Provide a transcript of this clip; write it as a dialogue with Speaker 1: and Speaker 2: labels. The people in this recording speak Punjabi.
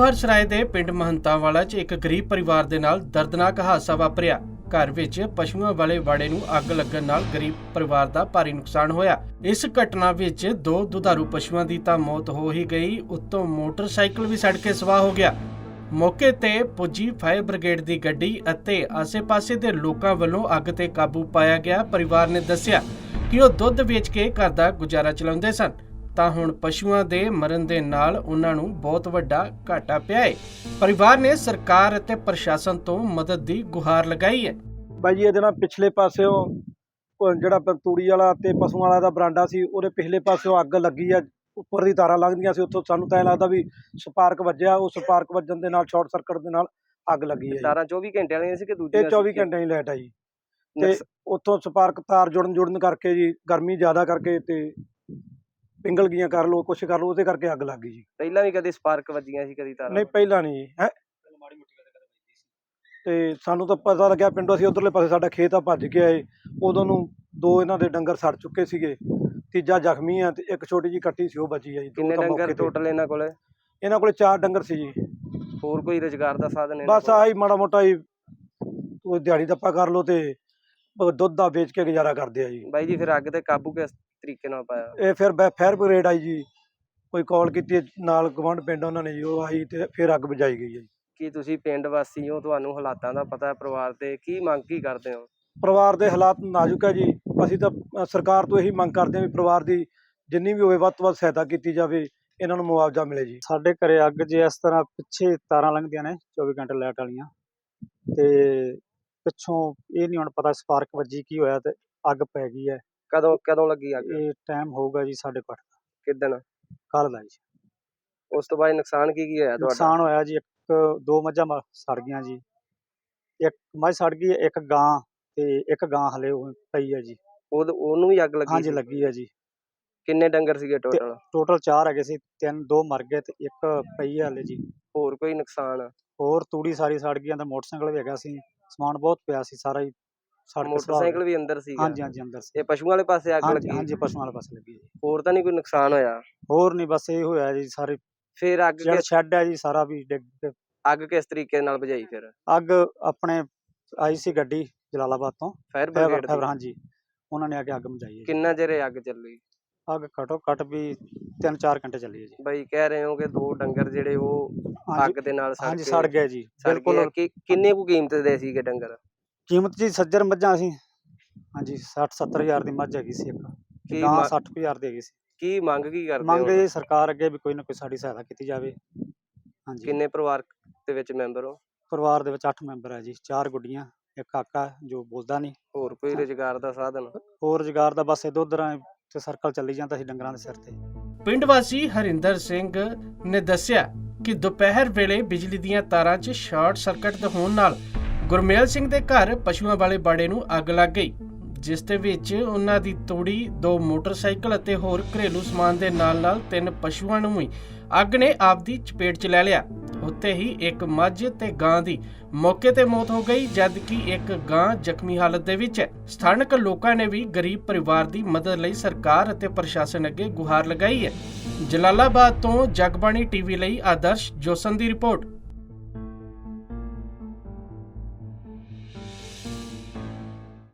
Speaker 1: ਨੌਹਰ ਸਰਾਏ ਦੇ ਪਿੰਡ ਮਹੰਤਾਂਵਾਲਾ 'ਚ ਇੱਕ ਗਰੀਬ ਪਰਿਵਾਰ ਦੇ ਨਾਲ ਦਰਦਨਾਕ ਹਾਦਸਾ ਵਾਪਰਿਆ। ਘਰ ਵਿੱਚ ਪਸ਼ੂਆਂ ਵਾਲੇ ਵਾੜੇ ਨੂੰ ਅੱਗ ਲੱਗਣ ਨਾਲ ਗਰੀਬ ਪਰਿਵਾਰ ਦਾ ਭਾਰੀ ਨੁਕਸਾਨ ਹੋਇਆ। ਇਸ ਘਟਨਾ ਵਿੱਚ 2 ਦੁਧਾਰੂ ਪਸ਼ੂਆਂ ਦੀ ਤਾਂ ਮੌਤ ਹੋ ਹੀ ਗਈ, ਉੱਤੋਂ ਮੋਟਰਸਾਈਕਲ ਵੀ ਸੜ ਕੇ ਸਵਾਹ ਹੋ ਗਿਆ। ਮੌਕੇ ਤੇ ਪੁੱਜੀ ਫਾਇਰ ਬ੍ਰਿਗੇਡ ਦੀ ਗੱਡੀ ਅਤੇ ਆਸੇ-ਪਾਸੇ ਦੇ ਲੋਕਾਂ ਵੱਲੋਂ ਅੱਗ ਤੇ ਕਾਬੂ ਪਾਇਆ ਗਿਆ। ਪਰਿਵਾਰ ਨੇ ਦੱਸਿਆ ਕਿ ਉਹ ਦੁੱਧ ਵੇਚ ਕੇ ਘਰ ਦਾ ਗੁਜ਼ਾਰਾ ਚਲਾਉਂਦੇ ਸਨ, ਤਾਂ ਹੁਣ ਪਸ਼ੂਆਂ ਦੇ ਮਰਨ ਦੇ ਨਾਲ ਉਹਨਾਂ ਨੂੰ ਬਹੁਤ ਵੱਡਾ ਘਾਟਾ ਪਿਆ ਹੈ। ਪਰਿਵਾਰ ਨੇ ਸਰਕਾਰ ਅਤੇ ਪ੍ਰਸ਼ਾਸਨ ਤੋਂ ਮਦਦ ਦੀ ਗੁਹਾਰ ਲਗਾਈ ਹੈ।
Speaker 2: ਬਾਈ ਜੀ ਇਹਦੇ ਨਾਲ ਪਿਛਲੇ ਪਾਸਿਓਂ ਜਿਹੜਾ ਤੂੜੀ ਵਾਲਾ ਤੇ ਪਸ਼ੂਆਂ ਵਾਲਾ ਦਾ ਬਰਾਂਡਾ ਸੀ, ਉਹਦੇ ਪਿਛਲੇ ਪਾਸਿਓਂ ਅੱਗ ਲੱਗੀ ਆ। ਉੱਪਰ ਦੀ ਤਾਰਾਂ ਲੰਘਦੀਆਂ ਸੀ, ਉੱਥੋਂ ਸਾਨੂੰ ਤਾਂ ਇਹ ਲੱਗਦਾ ਵੀ ਸਪਾਰਕ ਵੱਜਿਆ। ਉਹ ਸਪਾਰਕ ਵੱਜਣ ਦੇ ਨਾਲ ਸ਼ਾਰਟ ਸਰਕਟ ਦੇ ਨਾਲ ਅੱਗ ਲੱਗੀ ਹੈ।
Speaker 3: ਤਾਰਾਂ 24 ਘੰਟੇ ਵਾਲੀਆਂ ਸੀ ਕਿ ਦੂਜੀਆਂ?
Speaker 2: ਇਹ 24 ਘੰਟੇ ਦੀ ਲਾਈਟ ਆ ਜੀ। ਤੇ ਉੱਥੋਂ ਸਪਾਰਕ ਤਾਰ ਜੁੜਨ ਕਰਕੇ ਜੀ, ਗਰਮੀ ਜ਼ਿਆਦਾ ਕਰਕੇ ਤੇ ਪਿੰਗਲ ਗਈਆਂ, ਕਰ ਲਓ ਕੁਛ ਕਰ ਲਓ, ਉਹਦੇ ਕਰਕੇ ਅੱਗ ਲੱਗ ਗਈ ਜੀ।
Speaker 3: ਪਹਿਲਾਂ ਵੀ ਕਦੇ ਸਪਾਰਕ ਵੱਜੀਆਂ ਸੀ, ਕਦੀ ਤਾਰਾਂ?
Speaker 2: ਨਹੀਂ, ਪਹਿਲਾਂ ਨਹੀਂ ਜੀ। ਹੈ ਤੇ ਸਾਨੂੰ ਤਾਂ ਪਤਾ ਲੱਗਿਆ ਪਿੰਡੋਂ, ਅਸੀਂ ਉਧਰਲੇ ਪਾਸੇ ਸਾਡਾ ਖੇਤ ਆ, ਭੱਜ ਕੇ ਆਏ। ਉਦੋਂ ਨੂੰ 2 ਇਹਨਾਂ ਦੇ ਡੰਗਰ ਸੜ ਚੁੱਕੇ ਸੀਗੇ, ਤੀਜਾ ਜ਼ਖਮੀ ਆ ਤੇ ਇੱਕ ਛੋਟੀ ਜੀ ਕੱਟੀ ਸੀ, ਉਹ ਬਚੀ ਆ ਜੀ।
Speaker 3: ਕਿੰਨੇ ਡੰਗਰ ਟੋਟਲ ਇਹਨਾਂ ਕੋਲੇ?
Speaker 2: ਇਹਨਾਂ ਕੋਲੇ 4 ਡੰਗਰ ਸੀ ਜੀ।
Speaker 3: ਹੋਰ ਕੋਈ ਰੁਜ਼ਗਾਰ ਦਾ ਸਾਧਨ?
Speaker 2: ਬਸ ਆਹੀ ਮਾੜਾ ਮੋਟਾ ਹੀ ਉਹ ਦਿਹਾੜੀ ਦੱਪਾ ਕਰ ਲਓ ਤੇ ਦੁੱਧ ਦਾ ਵੇਚ ਕੇ ਗੁਜ਼ਾਰਾ ਕਰਦੇ ਆ ਜੀ।
Speaker 3: ਬਾਈ ਜੀ ਫਿਰ ਅੱਗ ਤੇ ਕਾਬੂ ਕਿਸ ਤਰੀਕੇ ਨਾਲ ਪਾਇਆ?
Speaker 2: ਇਹ ਫਿਰ ਫਾਇਰ ਬ੍ਰਿਗੇਡ ਆਈ ਜੀ, ਕੋਈ ਕਾਲ ਕੀਤੀ ਨਾਲ ਗਵਾਂਢ ਪਿੰਡ ਉਹਨਾਂ ਨੇ ਜੀ, ਉਹ ਆਈ ਤੇ ਫਿਰ ਅੱਗ ਬੁਝਾਈ ਗਈ ਹੈ ਜੀ।
Speaker 3: ਕੀ ਤੁਸੀਂ ਪਿੰਡ ਵਾਸੀ ਹੋ, ਤੁਹਾਨੂੰ ਹਾਲਾਤਾਂ ਦਾ ਪਤਾ ਹੈ ਪਰਿਵਾਰ ਦੇ, ਕੀ ਮੰਗ ਕੀ ਕਰਦੇ ਹੋ?
Speaker 2: ਪਰਿਵਾਰ ਦੇ ਹਾਲਾਤ ਨਾਜ਼ੁਕ ਹੈ ਜੀ। ਅਸੀਂ ਤਾਂ ਸਰਕਾਰ ਤੋਂ ਇਹੀ ਮੰਗ ਕਰਦੇ ਹਾਂ ਵੀ ਪਰਿਵਾਰ ਦੀ ਜਿੰਨੀ ਵੀ ਹੋਵੇ ਵੱਧ ਤੋਂ ਵੱਧ ਸਹਾਇਤਾ ਕੀਤੀ ਜਾਵੇ, ਇਹਨਾਂ ਨੂੰ ਮੁਆਵਜ਼ਾ ਮਿਲੇ ਜੀ।
Speaker 4: ਸਾਡੇ ਘਰੇ ਅੱਗ ਜੇ ਇਸ ਤਰ੍ਹਾਂ ਪਿੱਛੇ ਤਾਰਾਂ ਲੰਘਦੀਆਂ ਨੇ 24 ਘੰਟੇ ਲਾਈਟ ਵਾਲੀਆਂ, ਤੇ ਪਿੱਛੋਂ ਇਹ ਨਹੀਂ ਹੁਣ ਪਤਾ ਸਪਾਰਕ ਵੱਜੀ ਕੀ ਹੋਇਆ ਤੇ ਅੱਗ ਪੈ ਗਈ ਹੈ।
Speaker 3: ਕਦੋਂ ਲੱਗੀ ਅੱਗ?
Speaker 4: ਇਹ ਟਾਈਮ ਹੋਊਗਾ ਜੀ 8:30 ਦਾ।
Speaker 3: ਕਿੱਦਣ?
Speaker 4: ਕੱਲ ਦਾ ਜੀ।
Speaker 3: ਉਸ ਤੋਂ ਬਾਅਦ ਨੁਕਸਾਨ ਕੀ ਹੋਇਆ ਤੁਹਾਡਾ?
Speaker 4: ਨੁਕਸਾਨ ਹੋਇਆ ਜੀ, 2 ਮੱਝਾਂ ਸੜ ਗਈਆਂ ਜੀ। ਇੱਕ ਮੱਝ ਸੜ ਗਈ, ਇੱਕ ਗਾਂ ਤੇ ਇੱਕ ਗਾਂ ਹਲੇ ਪਈ ਹੈ ਜੀ।
Speaker 3: ਉਹਨੂੰ ਵੀ ਅੱਗ ਲੱਗੀ?
Speaker 4: ਹਾਂਜੀ, ਲੱਗੀ ਹੈ ਜੀ।
Speaker 3: ਕਿੰਨੇ ਡੰਗਰ ਸੀਗੇ ਟੋਟਲ?
Speaker 4: ਟੋਟਲ 4 ਹੈਗੇ ਸੀ, 2 ਮਰ ਗਏ ਤੇ ਇੱਕ ਪਈ ਹੈ ਹਲੇ ਜੀ।
Speaker 3: ਹੋਰ ਕੋਈ ਨੁਕਸਾਨ?
Speaker 4: ਹੋਰ ਤੂੜੀ ਸਾਰੀ ਸੜ ਗਈ, ਤੇ ਮੋਟਰਸਾਈਕਲ ਵੀ ਹੈਗਾ ਸੀ, ਸਮਾਨ ਬਹੁਤ ਪਿਆ ਸੀ, ਸਾਰਾ ਹੀ ਸੜ ਕੇ।
Speaker 3: ਮੋਟਰਸਾਈਕਲ ਵੀ ਅੰਦਰ ਸੀਗਾ?
Speaker 4: ਹਾਂਜੀ, ਅੰਦਰ ਸੀ।
Speaker 3: ਇਹ ਪਸ਼ੂਆਂ ਵਾਲੇ ਪਾਸੇ ਅੱਗ ਲੱਗੀ?
Speaker 4: ਹਾਂਜੀ, ਪਸ਼ੂਆਂ ਵਾਲੇ ਪਾਸੇ ਲੱਗੀ ਜੀ।
Speaker 3: ਹੋਰ ਤਾਂ ਨਹੀਂ ਕੋਈ ਨੁਕਸਾਨ ਹੋਇਆ?
Speaker 4: ਹੋਰ ਨਹੀਂ, ਬਸ ਇਹ ਹੋਇਆ ਜੀ। ਸਾਰੇ
Speaker 3: ਫਿਰ ਅੱਗ
Speaker 4: ਸ਼ੈੱਡ ਹੈ ਜੀ, ਸਾਰਾ ਵੀ ਡਿੱਗ ਕੇ।
Speaker 3: ਅੱਗ ਕਿਸ ਤਰੀਕੇ ਨਾਲ ਬੁਝਾਈ ਫਿਰ?
Speaker 4: ਅੱਗ ਆਪਣੇ ਆਈ ਸੀ ਗੱਡੀ ਜਲਾਲਾਬਾਦ ਤੋਂ,
Speaker 3: ਫਾਇਰ ਬ੍ਰਿਗੇਡ?
Speaker 4: ਹਾਂਜੀ, ਉਹਨਾਂ ਨੇ ਆ ਕੇ ਅੱਗ ਬੁਝਾਈ ਹੈ।
Speaker 3: ਕਿੰਨਾ ਚਿਰ ਅੱਗ ਚੱਲੀ?
Speaker 4: ਅੱਗ ਘੱਟੋ ਘੱਟ ਵੀ 3-4 ਘੰਟੇ ਚੱਲੀ ਹੈ ਜੀ।
Speaker 3: ਬਾਈ ਕਹਿ ਰਹੇ ਹੋ ਕਿ 2 ਡੰਗਰ ਜਿਹੜੇ ਉਹ ਅੱਗ ਦੇ ਨਾਲ
Speaker 4: ਸੜ ਗਏ ਜੀ। ਬਿਲਕੁਲ।
Speaker 3: ਕਿੰਨੇ ਕੁ ਕੀਮਤ ਦੇ ਸੀਗੇ ਡੰਗਰ?
Speaker 4: ਕੀਮਤ ਜੀ ਸੱਜਰ ਮੱਝਾਂ ਸੀ, ਹਾਂਜੀ, 60-70 ਹਜ਼ਾਰ ਦੀ ਮੱਝ ਹੈਗੀ ਸੀ ਇੱਕ, ਗਾਂ 60 ਹਜ਼ਾਰ ਦੀ ਹੈਗੀ ਸੀ।
Speaker 3: ਕੀ ਮੰਗ ਕੀ ਕਰਦੇ ਹੋ?
Speaker 4: ਮੰਗ ਇਹ ਸਰਕਾਰ ਅੱਗੇ ਵੀ ਕੋਈ ਨਾ ਕੋਈ ਸਾਡੀ ਸਹਾਇਤਾ ਕੀਤੀ ਜਾਵੇ। ਹਾਂਜੀ।
Speaker 3: ਕਿੰਨੇ ਪਰਿਵਾਰ ਦੇ ਵਿੱਚ ਮੈਂਬਰ ਹੋ?
Speaker 4: ਪਰਿਵਾਰ ਦੇ ਵਿੱਚ 8 ਮੈਂਬਰ ਹੈ ਜੀ, 4 ਗੁੱਡੀਆਂ, ਇੱਕ ਕਾਕਾ ਜੋ ਬੋਲਦਾ ਨਹੀਂ।
Speaker 3: ਹੋਰ ਕੋਈ ਰੁਜ਼ਗਾਰ ਦਾ ਸਾਧਨ?
Speaker 4: ਹੋਰ ਰੁਜ਼ਗਾਰ ਦਾ ਬਸ ਇਧਰ ਤੇ ਸਰਕਲ ਚੱਲੀ ਜਾਂਦਾ ਸੀ ਡੰਗਰਾਂ ਦੇ ਸਿਰ ਤੇ।
Speaker 1: ਪਿੰਡ ਵਾਸੀ ਹਰਿੰਦਰ ਸਿੰਘ ਨੇ ਦੱਸਿਆ ਕਿ ਦੁਪਹਿਰ ਵੇਲੇ ਬਿਜਲੀ ਦੀਆਂ ਤਾਰਾਂ 'ਚ ਸ਼ਾਰਟ ਸਰਕਟ ਹੋਣ ਨਾਲ ਗੁਰਮੇਲ ਸਿੰਘ ਦੇ ਘਰ ਪਸ਼ੂਆਂ ਵਾਲੇ ਬਾੜੇ ਨੂੰ ਅੱਗ ਲੱਗ ਗਈ, ਜਿਸ ਦੇ ਵਿੱਚ ਉਹਨਾਂ ਦੀ ਤੂੜੀ, 2 ਮੋਟਰਸਾਈਕਲ ਅਤੇ ਹੋਰ ਘਰੇਲੂ ਸਮਾਨ ਦੇ ਨਾਲ 3 ਪਸ਼ੂਆਂ ਨੂੰ ਵੀ ਅੱਗ ਨੇ ਆਪਦੀ ਚਪੇਟ 'ਚ ਲੈ ਲਿਆ। ਉੱਥੇ ਹੀ ਇੱਕ ਮੱਝ ਤੇ ਗਾਂ ਦੀ ਮੌਕੇ ਤੇ ਮੌਤ ਹੋ ਗਈ, ਜਦਕਿ ਇੱਕ ਗਾਂ ਜ਼ਖਮੀ ਹਾਲਤ ਦੇ ਵਿੱਚ ਹੈ। ਸਥਾਨਕ ਲੋਕਾਂ ਨੇ ਵੀ ਗਰੀਬ ਪਰਿਵਾਰ ਦੀ ਮਦਦ ਲਈ ਸਰਕਾਰ ਅਤੇ ਪ੍ਰਸ਼ਾਸਨ ਅੱਗੇ ਗੁਹਾਰ ਲਗਾਈ ਹੈ। ਜਲਾਲਾਬਾਦ ਤੋਂ ਜਗਬਾਣੀ ਟੀਵੀ ਲਈ ਆਦਰਸ਼ ਜੋਸਨ ਦੀ ਰਿਪੋਰਟ।